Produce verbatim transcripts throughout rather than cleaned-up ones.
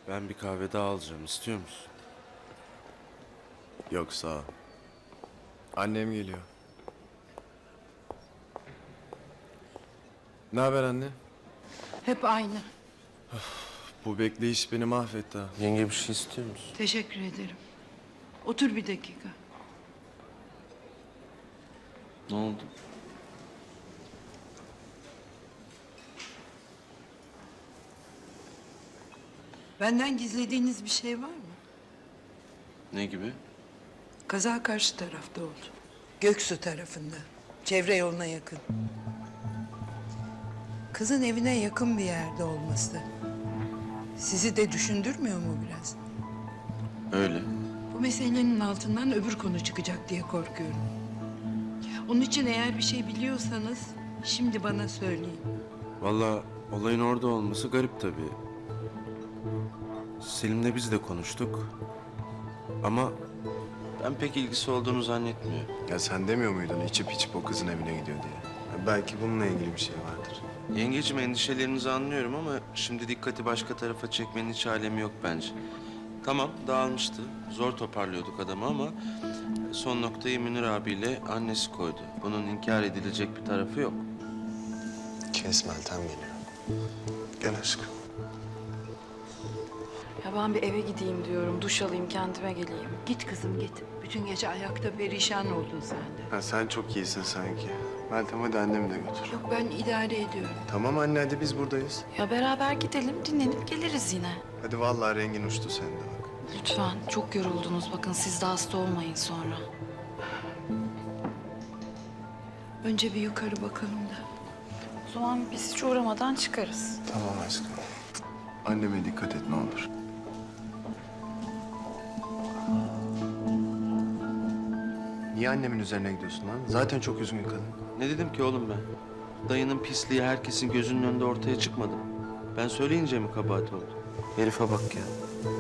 Ben bir kahve daha alacağım. İstiyor musun? Yok sağ ol. Annem geliyor. Ne haber anne? Hep aynı. Bu bekleyiş beni mahvetti ha. Yenge bir şey istiyor musun? Teşekkür ederim. Otur bir dakika. Ne oldu? Benden gizlediğiniz bir şey var mı? Ne gibi? Kaza karşı tarafta oldu. Göksu tarafında. Çevre yoluna yakın. Kızın evine yakın bir yerde olması. Sizi de düşündürmüyor mu biraz? Öyle. Bu meselenin altından öbür konu çıkacak diye korkuyorum. Onun için eğer bir şey biliyorsanız şimdi bana söyleyin. Vallahi olayın orada olması garip tabii. Selim'le biz de konuştuk. Ama ben pek ilgisi olduğunu zannetmiyorum. Ya sen demiyor muydun içip içip o kızın evine gidiyor diye? Ya belki bununla ilgili bir şey vardır. Yengeciğim, endişelerinizi anlıyorum ama şimdi dikkati başka tarafa çekmenin hiç alemi yok bence. Tamam, dağılmıştı. Zor toparlıyorduk adamı ama son noktayı Münir abiyle annesi koydu. Bunun inkar edilecek bir tarafı yok. Kes Meltem geliyor. Gel aşkım. Ya ben bir eve gideyim diyorum, duş alayım, kendime geleyim. Git kızım git. Bütün gece ayakta perişan oldun sen de. Ha, sen çok iyisin sanki. Meltem hadi annemi de götür. Yok ben idare ediyorum. Tamam anne hadi biz buradayız. Ya beraber gidelim, dinlenip geliriz yine. Hadi vallahi rengin uçtu senin de bak. Lütfen, çok yoruldunuz. Bakın siz de hasta olmayın sonra. Önce bir yukarı bakalım da. O zaman biz hiç uğramadan çıkarız. Tamam aşkım. Anneme dikkat et ne olur. Niye annemin üzerine gidiyorsun lan? Zaten çok üzgün kadın. Ne dedim ki oğlum ben? Dayının pisliği herkesin gözünün önünde ortaya çıkmadı mı? Ben söyleyince mi kabahat oldu? Herife bak ya.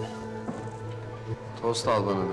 Tost al bana da.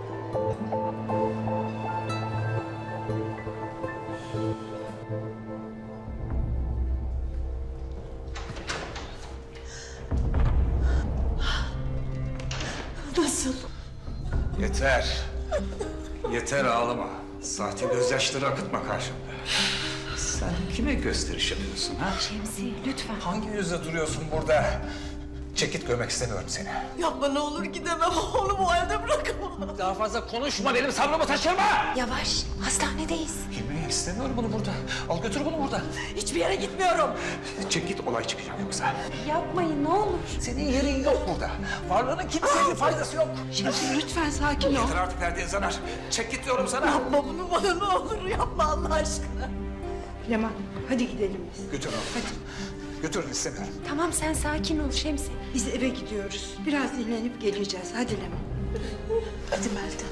Nasıl? Yeter. Yeter ağlama. Sahte gözyaşları akıtma karşımda. Sen kime gösteriş yapıyorsun ha? Şemsi, lütfen. Hangi yüzle duruyorsun burada? Çekit görmek istemiyorum seni. Yapma ne olur gidemem. Onu bu halde bırakamam. Daha fazla konuşma, benim sabrımı taşırma! Yavaş, hastanedeyiz. Bilmeyi istemiyorum bunu burada. Al götür bunu buradan. Hiçbir yere gitmiyorum. Çek git, olay çıkacak yoksa. Yapmayın, ne olur. Senin yerin yok burada. Varlığının kimseye bir faydası yok. Şemsi lütfen sakin ol. Yeter artık verdiğin zarar. Çek git diyorum sana. Yapma bunu bana ne olur yapma Allah aşkına. Leman hadi gidelim biz. Götür onu. Hadi. Götürün istemiyorum. Tamam, sen sakin ol Şemsi. Biz eve gidiyoruz. Biraz dinlenip geleceğiz. Hadi Leman. Hadi Meltem.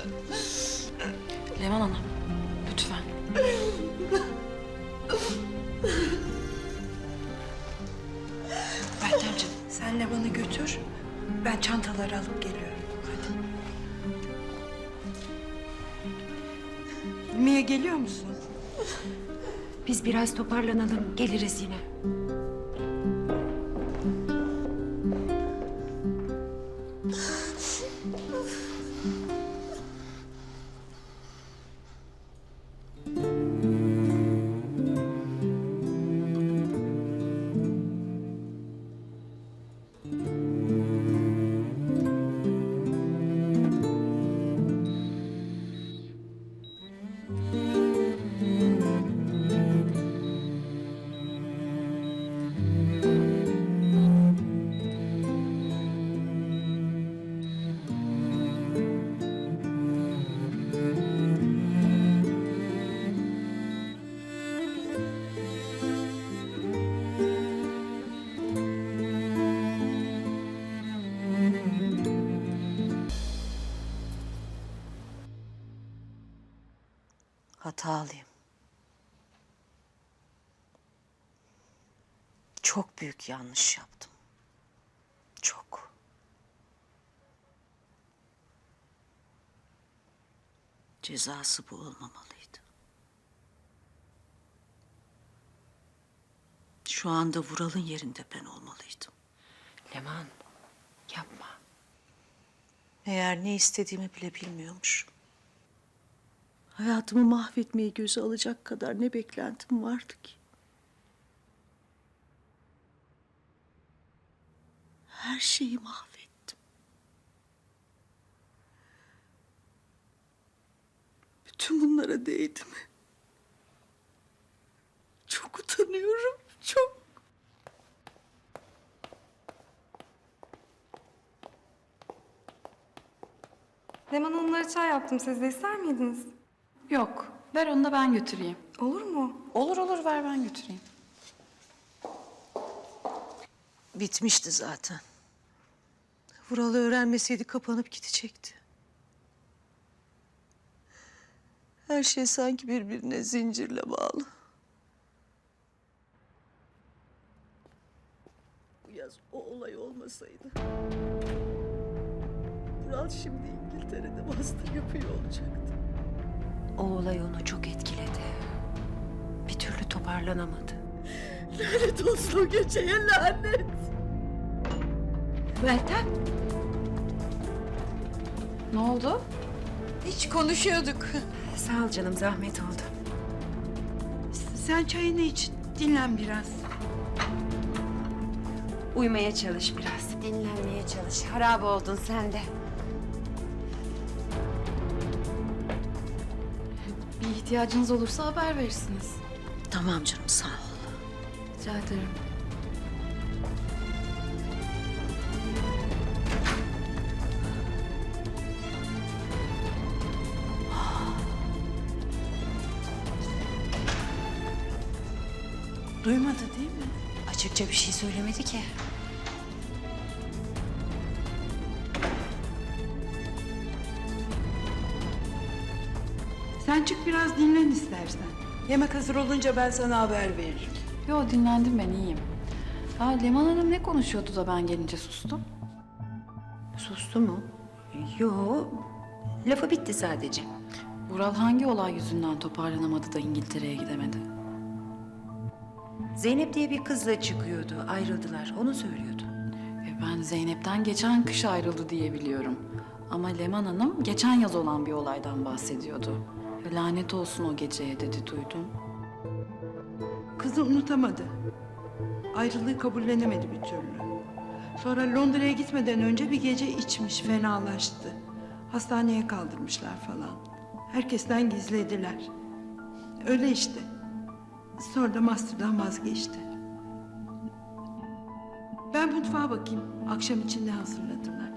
Leman Hanım, lütfen. Meltemciğim sen Leman'ı götür. Ben çantaları alıp geliyorum. Hadi. Mia geliyor musun? Biz biraz toparlanalım, geliriz yine. Hatalıyım. Çok büyük yanlış yaptım. Çok. Cezası bu olmamalıydı. Şu anda Vural'ın yerinde ben olmalıydım. Leman, Yapma. Meğer ne istediğimi bile bilmiyormuş. Hayatımı mahvetmeyi göze alacak kadar ne beklentim vardı ki. Her şeyi mahvettim. Bütün bunlara değdi mi? Çok utanıyorum, çok. Leman Hanımlara çay yaptım. Siz de ister miydiniz? Yok, ver onu da ben götüreyim. Olur mu? Olur olur, ver ben götüreyim. Bitmişti zaten. Vural öğrenmeseydi kapanıp gidecekti. Her şey sanki birbirine zincirle bağlı. Bu yaz o olay olmasaydı... Vural şimdi İngiltere'de master yapıyor olacaktı. O olay onu çok etkiledi. Bir türlü toparlanamadı. Lanet olsun o geceye lanet. Meltem, Ne oldu? hiç konuşuyorduk. Sağ ol canım, zahmet oldu. Sen çayını iç, dinlen biraz. Uyumaya çalış biraz. Dinlenmeye çalış. Harap oldun sen de. Bir ihtiyacınız olursa haber verirsiniz. Tamam canım sağ ol. Rica ederim. Duymadı değil mi? Açıkça bir şey söylemedi ki. Sen çık biraz dinlen istersen. Yemek hazır olunca ben sana haber veririm. Yo, dinlendim ben, iyiyim. Ha, Leman Hanım ne konuşuyordu da ben gelince sustum? Sustu mu? Yo, lafı bitti sadece. Vural hangi olay yüzünden toparlanamadı da İngiltere'ye gidemedi? Zeynep diye bir kızla çıkıyordu. Ayrıldılar. Onu söylüyordu. E ben Zeynep'ten geçen kış ayrıldı diye biliyorum. Ama Leman Hanım geçen yaz olan bir olaydan bahsediyordu. E, lanet olsun o geceye dedi, duydum. Kızı unutamadı. Ayrılığı kabullenemedi bir türlü. Sonra Londra'ya gitmeden önce bir gece içmiş, fenalaştı. Hastaneye kaldırmışlar falan. Herkesten gizlediler. Öyle işte. Sonra da master'dan vazgeçti. Ben mutfağa bakayım. Akşam için ne hazırladılar.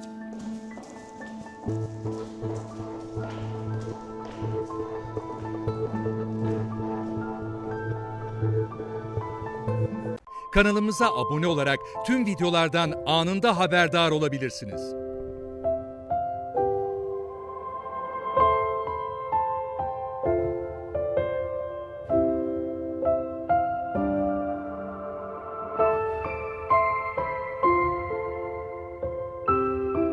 Kanalımıza abone olarak tüm videolardan anında haberdar olabilirsiniz.